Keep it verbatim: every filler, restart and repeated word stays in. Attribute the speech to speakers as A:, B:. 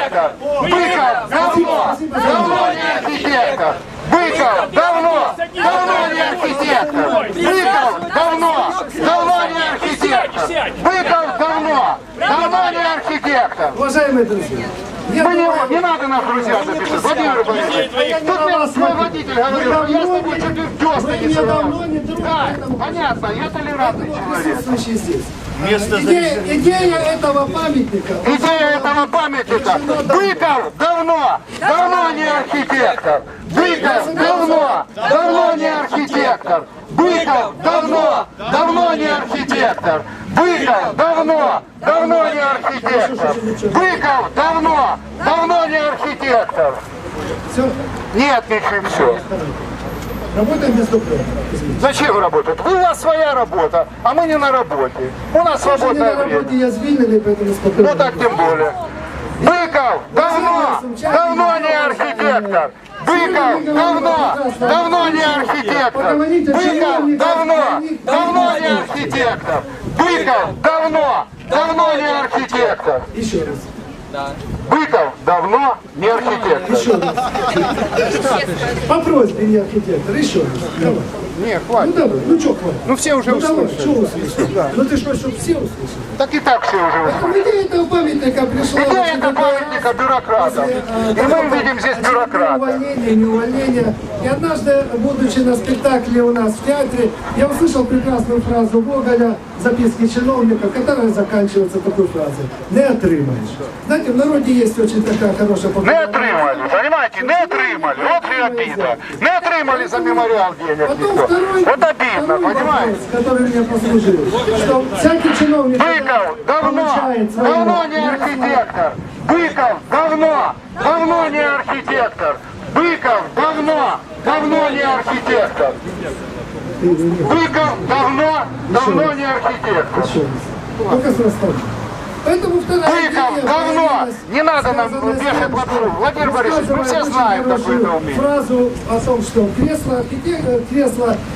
A: архитектор. Быков давно, давно не архитектор. Быков давно, давно не архитектор. Быков давно, давно не архитектор. Быков давно, давно не архитектор.
B: Уважаемые друзья, я
A: Мы не,
B: думаю,
A: не надо нас друзья записать, Владимир Борисович. Тут мне свой водитель говорил, что я с тобой чуть в десна
B: вы
A: не
B: меня
A: срывал.
B: давно не друг,
A: Да,
B: поэтому
A: понятно, я толерантный человек.
B: присутствующий здесь.
C: Место
B: Идея, идея этого памятника.
A: Идея этого памятника. Быков давно, давно не архитектор. Быков давно, давно не архитектор. Быков давно, давно не архитектор. Быков давно, давно не архитектор. Быков давно, давно не архитектор.
B: Все,
A: Нет, ничего, все.
B: работаем без документов.
A: Зачем работать? У вас своя работа, а мы не на работе. У нас
B: Я не на
A: свободное время.
B: работе, я звільнений, поэтому спокойно.
A: Ну так тем более. Быков давно, давно не архитектор. Быков давно, давно не архитектор. Быков давно, давно не архитектор. Быков давно, давно не архитектор.
B: Еще раз.
A: Быков давно не архитектор.
B: Еще раз. По просьбе не архитектор. Еще раз. Давай.
A: Не,
B: Ну
A: хватит.
B: давай, ну что хватит?
A: Ну все уже
B: Ну давай,
A: услышали.
B: что услышали? Ну ты что, чтобы все услышали?
A: Так и так все уже услышали.
B: Поэтому идея этого памятника пришла...
A: Идея
B: очень
A: это
B: такая,
A: памятника бюрократов.
B: после, э,
A: И
B: того,
A: мы
B: как
A: видим здесь
B: очередное
A: бюрократа.
B: увольнение, не увольнение. И однажды, будучи на спектакле у нас в театре, я услышал прекрасную фразу Гоголя, записки чиновника, которая заканчивается такой фразой: «Не отримаешь». Знаете, в народе есть очень такая хорошая
A: Не
B: популярная...
A: отримали, понимаете, не отримали. Вот и обида. Не отримали за мемориал денег
B: Потом
A: никто.
B: второй,
A: Вот обидно,
B: второй
A: понимаете?
B: вопрос, который мне послужил, что всякий чиновник,
A: Быков давно,
B: получает свою
A: давно не архитектор. Быков давно, давно не архитектор. Быков давно, давно не архитектор. Быков давно, давно не архитектор.
B: Еще раз. Только с расставки. Поэтому вторая
A: Быков
B: идея
A: давно,
B: появилась,
A: не надо нам
B: связанная с
A: вешать
B: тем,
A: лапшу.
B: что
A: Владимир Борисович, мы все
B: рассказывает
A: знаем
B: очень
A: такое
B: хорошую
A: умение.
B: фразу о том, что кресло архитектора, кресло